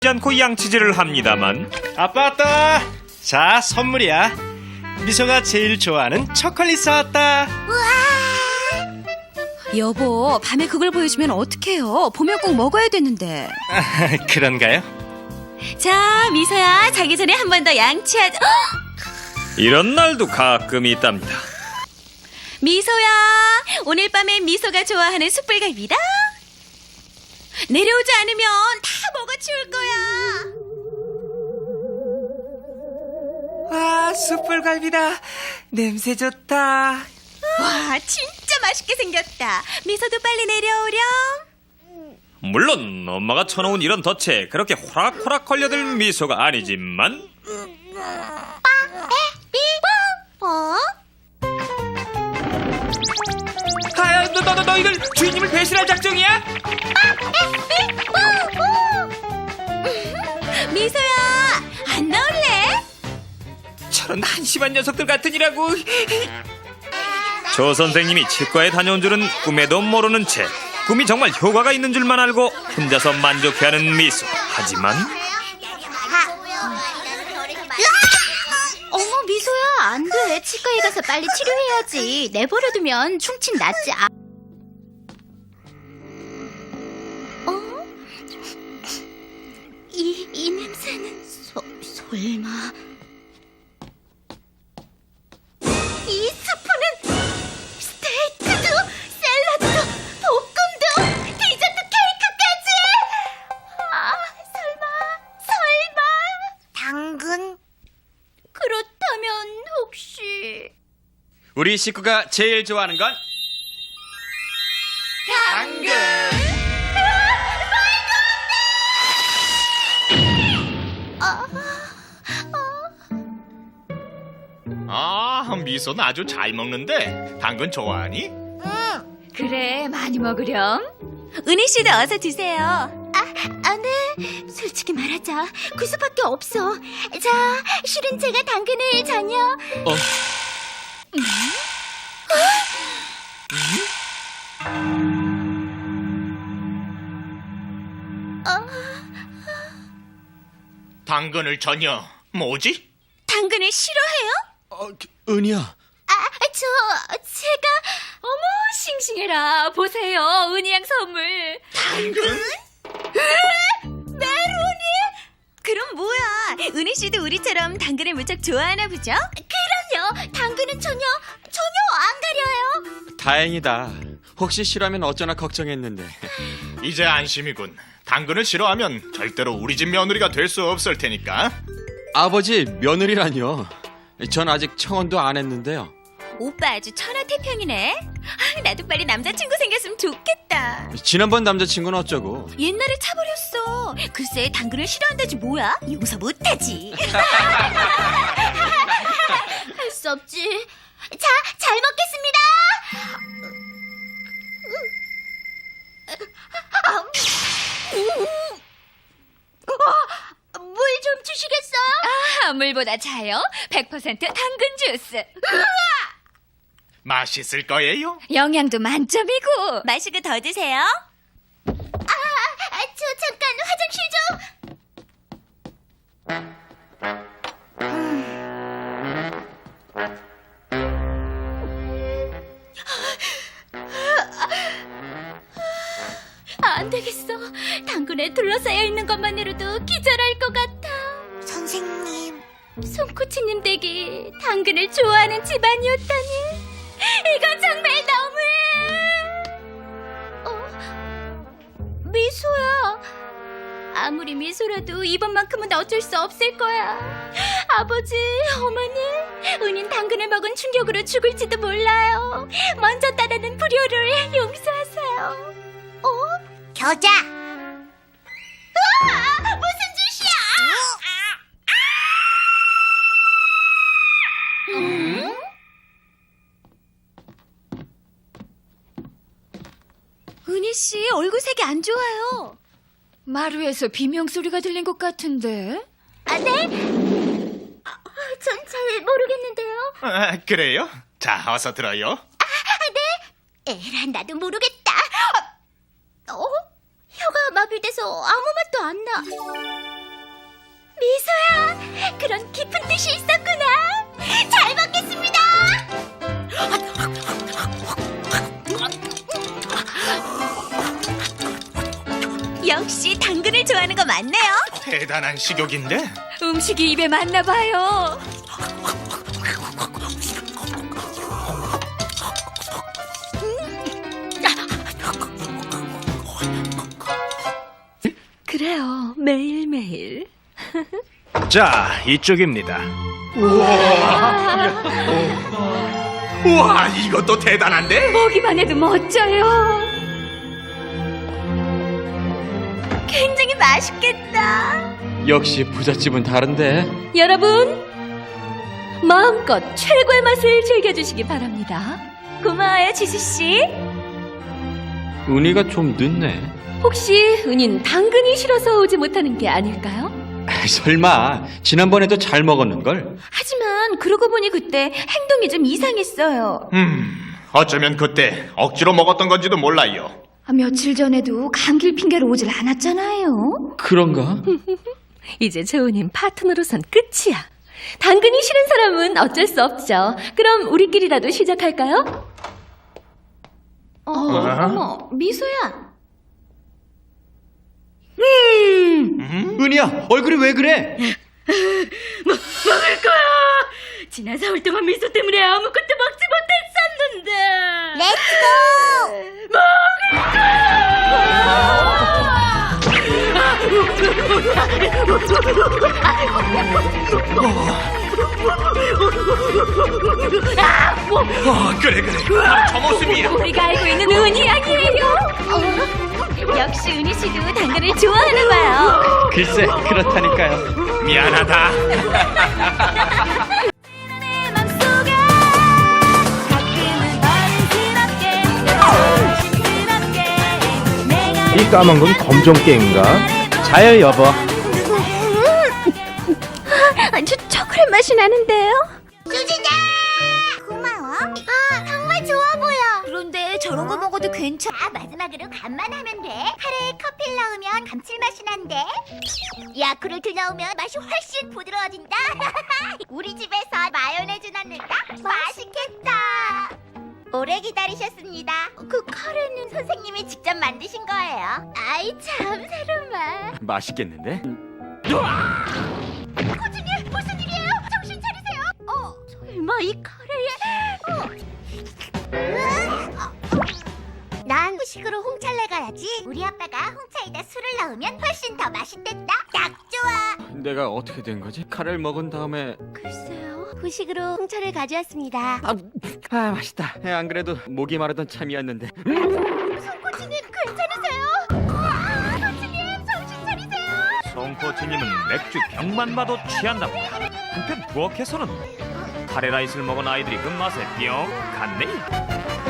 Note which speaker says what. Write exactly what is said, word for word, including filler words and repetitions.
Speaker 1: 않고 양치질을 합니다만
Speaker 2: 아빠 왔다. 자, 선물이야. 미소가 제일 좋아하는 초콜릿 사왔다.
Speaker 3: 여보, 밤에 그걸 보여주면 어떡해요? 보면 꼭 먹어야 되는데.
Speaker 2: 그런가요?
Speaker 3: 자, 미소야, 자기 전에 한 번 더 양치하자.
Speaker 1: 이런 날도 가끔 있답니다.
Speaker 3: 미소야, 오늘 밤에 미소가 좋아하는 숯불갈비다. 내려오지 않으면 다 먹어치울 거야.
Speaker 4: 와, 숯불갈비다. 냄새 좋다.
Speaker 3: 와, 진짜 맛있게 생겼다. 미소도 빨리 내려오렴.
Speaker 1: 물론 엄마가 쳐놓은 이런 덫에 그렇게 호락호락 걸려들 미소가 아니지만
Speaker 3: 뭐?
Speaker 4: 아, 너, 너, 너, 너희들 주인님을 배신할 작정이야?
Speaker 3: 미소야, 안 나올래?
Speaker 4: 저런 한심한 녀석들 같으니라고.
Speaker 1: 조 선생님이 치과에 다녀온 줄은 꿈에도 모르는 채 꿈이 정말 효과가 있는 줄만 알고 혼자서 만족해하는 미소. 하지만
Speaker 5: 어머 미소야 안 돼. 치과에 가서 빨리 치료해야지. 내버려두면 충치 낫지. 아... 어? 이, 이 냄새는 소, 설마 이 스프는 스테이크도 샐러드도 볶음도 디저트 케이크까지. 아 설마 설마 당근? 그렇다면 혹시
Speaker 2: 우리 식구가 제일 좋아하는 건 당근.
Speaker 6: 아, 미소는 아주 잘 먹는데 당근 좋아하니?
Speaker 5: 그래 많이 먹으렴.
Speaker 3: 은희 씨도 어서 드세요.
Speaker 5: 아, 네. 솔직히 말하자. 그 수밖에 없어. 자, 실은 제가 당근을 전혀.
Speaker 2: 어.
Speaker 6: 당근을 전혀 뭐지?
Speaker 3: 당근을 싫어해요?
Speaker 2: 어, 은희야.
Speaker 5: 아, 저, 제가. 어머, 싱싱해라. 보세요. 은희 양 선물.
Speaker 3: 그럼 뭐야? 은희 씨도 우리처럼 당근을 무척 좋아하나 보죠?
Speaker 5: 그럼요. 당근은 전혀, 전혀 안 가려요.
Speaker 7: 다행이다. 혹시 싫어하면 어쩌나 걱정했는데.
Speaker 6: 이제 안심이군. 당근을 싫어하면 절대로 우리 집 며느리가 될 수 없을 테니까.
Speaker 7: 아버지, 며느리라뇨. 전 아직 청혼도 안 했는데요.
Speaker 3: 오빠 아주 천하태평이네. 아, 나도 빨리 남자친구 생겼으면 좋겠다.
Speaker 7: 지난번 남자친구는 어쩌고?
Speaker 3: 옛날에 차버렸어. 글쎄 당근을 싫어한다지 뭐야? 용서 못하지.
Speaker 5: 할 수 없지. 자, 잘 먹겠습니다. 물 좀 주시겠어요?
Speaker 8: 아, 물보다 차요? 백 퍼센트 당근 주스.
Speaker 6: 맛있을 거예요.
Speaker 8: 영양도 만점이고.
Speaker 3: 마시고 더 드세요.
Speaker 5: 아, 저 잠깐 화장실 좀. 안 되겠어. 당근에 둘러싸여 있는 것만으로도 기절할 것 같아. 선생님. 손코치님 댁이 당근을 좋아하는 집안이었다니. 이건 정말 너무해. 어? 미소야. 아무리 미소라도 이번만큼은 어쩔 수 없을 거야. 아버지, 어머니, 은인 당근을 먹은 충격으로 죽을지도 몰라요. 먼저 따르는 불효를 용서하세요. 어? 겨자. 으아! 무슨 짓이야? 음?
Speaker 3: 은희 씨 얼굴색이 안 좋아요.
Speaker 8: 마루에서 비명소리가 들린 것 같은데.
Speaker 5: 아, 네? 전 잘 모르겠는데요.
Speaker 6: 아, 그래요? 자, 어서 들어요.
Speaker 5: 아, 네? 에라, 나도 모르겠다. 어? 혀가 마비돼서 아무 맛도 안 나. 미소야, 그런 깊은 뜻이 있었구나. 잘 먹겠습니다.
Speaker 3: 역시 당근을 좋아하는 거 맞네요.
Speaker 6: 대단한 식욕인데?
Speaker 8: 음식이 입에 맞나 봐요.
Speaker 3: 그래요, 매일매일.
Speaker 2: 자, 이쪽입니다.
Speaker 6: 우와, 이것도 대단한데?
Speaker 8: 보기만 해도 멋져요.
Speaker 3: 굉장히 맛있겠다.
Speaker 7: 역시 부잣집은 다른데.
Speaker 8: 여러분, 마음껏 최고의 맛을 즐겨주시기 바랍니다.
Speaker 3: 고마워요, 지수씨.
Speaker 7: 은희가 좀 늦네.
Speaker 8: 혹시 은인 당근이 싫어서 오지 못하는 게 아닐까요?
Speaker 7: 아이, 설마 지난번에도 잘 먹었는걸?
Speaker 3: 하지만 그러고 보니 그때 행동이 좀 이상했어요.
Speaker 6: 음, 어쩌면 그때 억지로 먹었던 건지도 몰라요.
Speaker 8: 아, 며칠 전에도 감기를 핑계로 오질 않았잖아요.
Speaker 7: 그런가?
Speaker 8: 이제 재훈님 파트너로선 끝이야. 당근이 싫은 사람은 어쩔 수 없죠. 그럼 우리끼리라도 시작할까요?
Speaker 3: 어, 어머, 미소야.
Speaker 7: 은희야, 얼굴이 왜 그래?
Speaker 8: 먹을 거야. 지난 사흘 동안 미소 때문에 아무것도 먹지 못했었는데.
Speaker 5: 렛츠고!
Speaker 6: 어, 그래 그래, 바로 저 모습이야.
Speaker 8: 우리가 알고 있는 은희 아니에요.
Speaker 3: 역시 은희 씨도 당근을 좋아하나 봐요.
Speaker 2: 글쎄, 그렇다니까요.
Speaker 6: 미안하다.
Speaker 2: 이 까만 건 검정 깨인가? 자요, 여보.
Speaker 3: 저 초콜릿 맛이 나는데요?
Speaker 5: 수지다! 고마워. 아, 정말 좋아 보여.
Speaker 3: 그런데 저런 거 먹어도 괜찮아.
Speaker 5: 아, 마지막으로 간만 하면 돼. 카레에 커피를 넣으면 감칠맛이 난대. 야쿠르트 넣으면 맛이 훨씬 부드러워진다. 우리 집에서 마요네즈 넣는다. 맛있겠다. 오래 기다리셨습니다. 그 카레는 선생님이 직접 만드신 거예요. 아이 참, 새로운 맛.
Speaker 7: 맛있겠는데?
Speaker 5: 코치님, 무슨 일이에요? 정신 차리세요. 어, 설마 이 카레에... 어. 난 후식으로 홍차를 가야지. 우리 아빠가 홍차에다 술을 넣으면 훨씬 더 맛있댔다. 딱 좋아.
Speaker 7: 내가 어떻게 된 거지? 카레를 먹은 다음에
Speaker 5: 글쎄요, 후식으로 홍차를 가져왔습니다.
Speaker 7: 아, 아 맛있다. 안 그래도 목이 마르던 참이었는데.
Speaker 5: 코치님, 괜찮으세요? 아, 코치님, 정신 차리세요.
Speaker 1: 송 코치님은 맥주 병만 봐도 취한다고. 한편 부엌에서는 카레라이스를 먹은 아이들이 그 맛에 뿅 갔네.